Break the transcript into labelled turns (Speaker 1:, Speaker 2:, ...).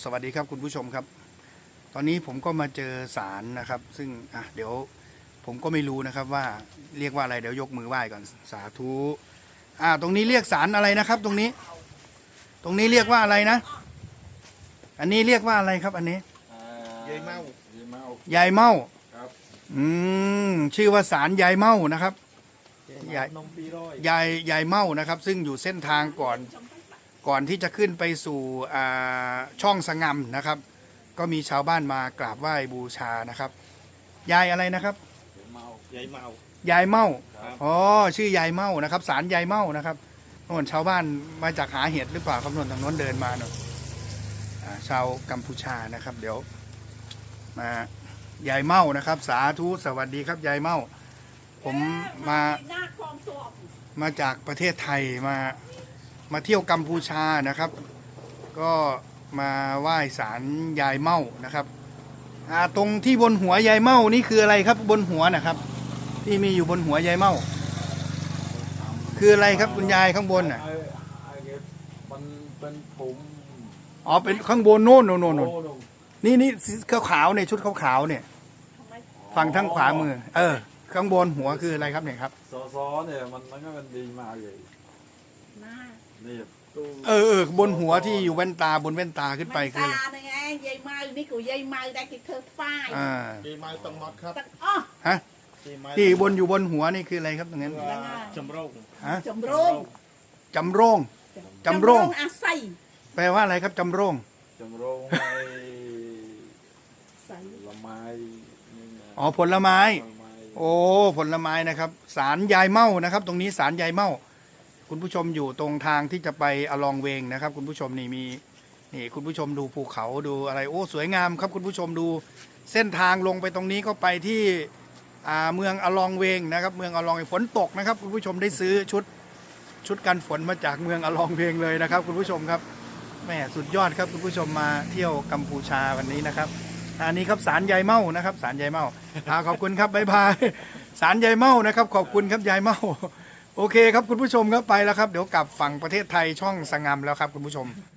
Speaker 1: สวัสดีครับคุณผู้ชมครับตอนนี้ผมก็มาเจอศาลนะครับซึ่งเดี๋ยวผมก็ไม่รู้นะครับว่าเรียกว่าอะไรเดี๋ยวยกมือไหว้ก่อนสาธุตรงนี้เรียกศาลอะไรนะครับตรงนี้เรียกว่าอะไรนะอันนี้เรียกว่าอะไรครับอันนี้
Speaker 2: ยายเมา
Speaker 1: ยายเมา
Speaker 2: ครับ
Speaker 1: ชื่อว่าศาลยายเมานะครับ
Speaker 2: ยายนมปีร้อย
Speaker 1: ยายเมานะครับซึ่งอยู่เส้นทางก่อนที่จะขึ้นไปสู่ช่องสงำนะครับก็มีชาวบ้านมากราบไหว้บูชานะครับยายอะไรนะครับ
Speaker 2: ยายเมาย
Speaker 1: ายเมาอ๋อชื่อยายเมานะครับศาลยายเมานะครับโน่นชาวบ้านมาจากหาเห็ดหรือเปล่าครับโน่นทางโน้นเดินมาโน่นชาวกัมพูชานะครับเดี๋ยวมายายเมานะครับสาธุสวัสดีครับยายเมาผมมาจากประเทศไทยมาเที่ยวกัมพูชานะครับก็มาไหว้ศาลยายเมานะครับตรงที่บนหัวยายเมานี่คืออะไรครับบนหัวนะครับที่มีอยู่บนหัวยายเมาคืออะไรครับคุณยายข้างบนน่ะ
Speaker 2: มันเป็นผม
Speaker 1: อ๋อเป็นข้างบนโน่นนี่ขาวๆเนี่ยชุดขาวๆเนี่ยฝั่งทางขวามือข้างบนหัวคืออะไรครับเนี่ยครับ
Speaker 2: ซอเนี่ยมันก็เป็นดีมากเลยนี่
Speaker 1: บนหัวที่อยู่แว่นตาบนแว่นตาขึ้นไปคือ
Speaker 3: ตาไงยายเมานี่กูยายเมาได้กี่เธอฝ้าย
Speaker 2: ยายเมาต้องมดครับ
Speaker 1: ฮะที่อยู่บนหัวนี่คืออะไรครับตรงนั้น
Speaker 2: จำโรง
Speaker 3: จำโรง
Speaker 1: จำโรง
Speaker 3: อาศัย
Speaker 1: แปลว่าอะไรครับจำโรง
Speaker 2: ละไม้
Speaker 1: อ๋อผลไม้โอ้ผลไม้นะครับศาลยายเมานะครับตรงนี้ศาลยายเมาคุณผู้ชมอยู่ตรงทางที่จะไปอลองเวงนะครับคุณผู้ชมนี่คุณผู้ชมดูภูเขาดูอะไรโอ้สวยงามครับคุณผู้ชมดูเส้นทางลงไปตรงนี้ก็ไปที่เมืองอลองเวงนะครับเมืองอลองฝนตกนะครับคุณผู้ชมได้ซื้อชุดกันฝนมาจากเมืองอลองเวงเลยนะครับคุณผู้ชมครับแม่สุดยอดครับคุณผู้ชมมาเที่ยวกัมพูชาวันนี้นะครับอันนี้ครับศาลยายเมานะครับศาลยายเมาขอบคุณครับบ๊ายบายศาลยายเมานะครับขอบคุณครับยายเมาโอเคครับคุณผู้ชมครับไปแล้วครับเดี๋ยวกลับฝั่งประเทศไทยช่องสงำแล้วครับคุณผู้ชม